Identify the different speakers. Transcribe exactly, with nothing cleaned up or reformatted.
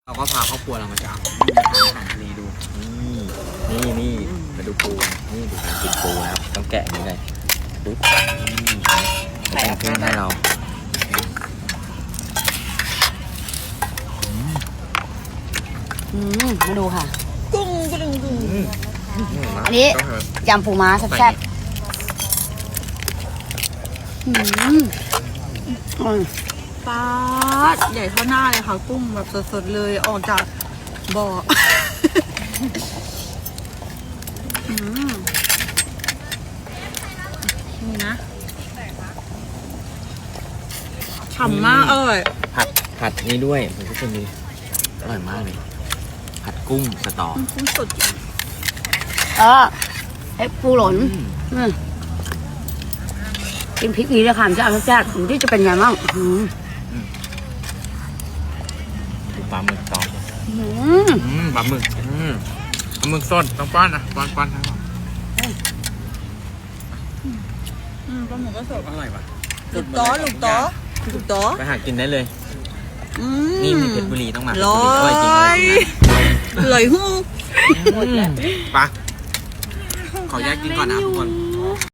Speaker 1: เราก็พาครอบครัวเรามาจากอาหารทะเลดูนี่นี่นี่มาดูปูนี่ดูการกินปูนะครับต้องแกะอย่างนี้เลยปุ๊บแต่งเครื่องให้เรา
Speaker 2: อืมมาดูค่ะ
Speaker 3: กุ้งกุ้งกุ้ง
Speaker 2: อันนี้ยำปูม้าแซ่บๆอืมอืม
Speaker 3: ปลาใหญ่เท่าหน้าเลยค่ะกุ้งแบบสดๆเลยออกจากบ่อ อืมนี่นะฉ่ำมากอร่อย
Speaker 1: ผัดผัดนี่ด้วยผมก็จะมีอร่อยมากเลยผัดกุ้งสตอ
Speaker 3: กุ้งสด
Speaker 2: เออไอ้ปูหล่นอืมกินพริกนี้เลยค่ะมันจะเอาแซ่บๆผมที่จะเป็นไงบ้างอืม
Speaker 1: ดูปลาหมึกตอ
Speaker 2: อืม
Speaker 1: อืมปลาหมึกอืมปลาหมึกสดต้องป้อนนะป้อนป้อนทั้งหมด
Speaker 3: อืมปลาหมึกก็สด
Speaker 1: อร่อยปะ
Speaker 3: ลูกต้อลูกต้อลูกต้อ
Speaker 1: ไปหากินได้เลย
Speaker 3: อื
Speaker 1: นี่มีเพชรบุรีต้องมาเพชร
Speaker 3: ร้
Speaker 1: บุ
Speaker 3: อ
Speaker 1: รีอร่อยจริงอร่อย
Speaker 3: ย
Speaker 1: จริงนะ
Speaker 3: ลอยหู้
Speaker 1: หมดแล้วปะขอแยกกินก่อนนะทุกคน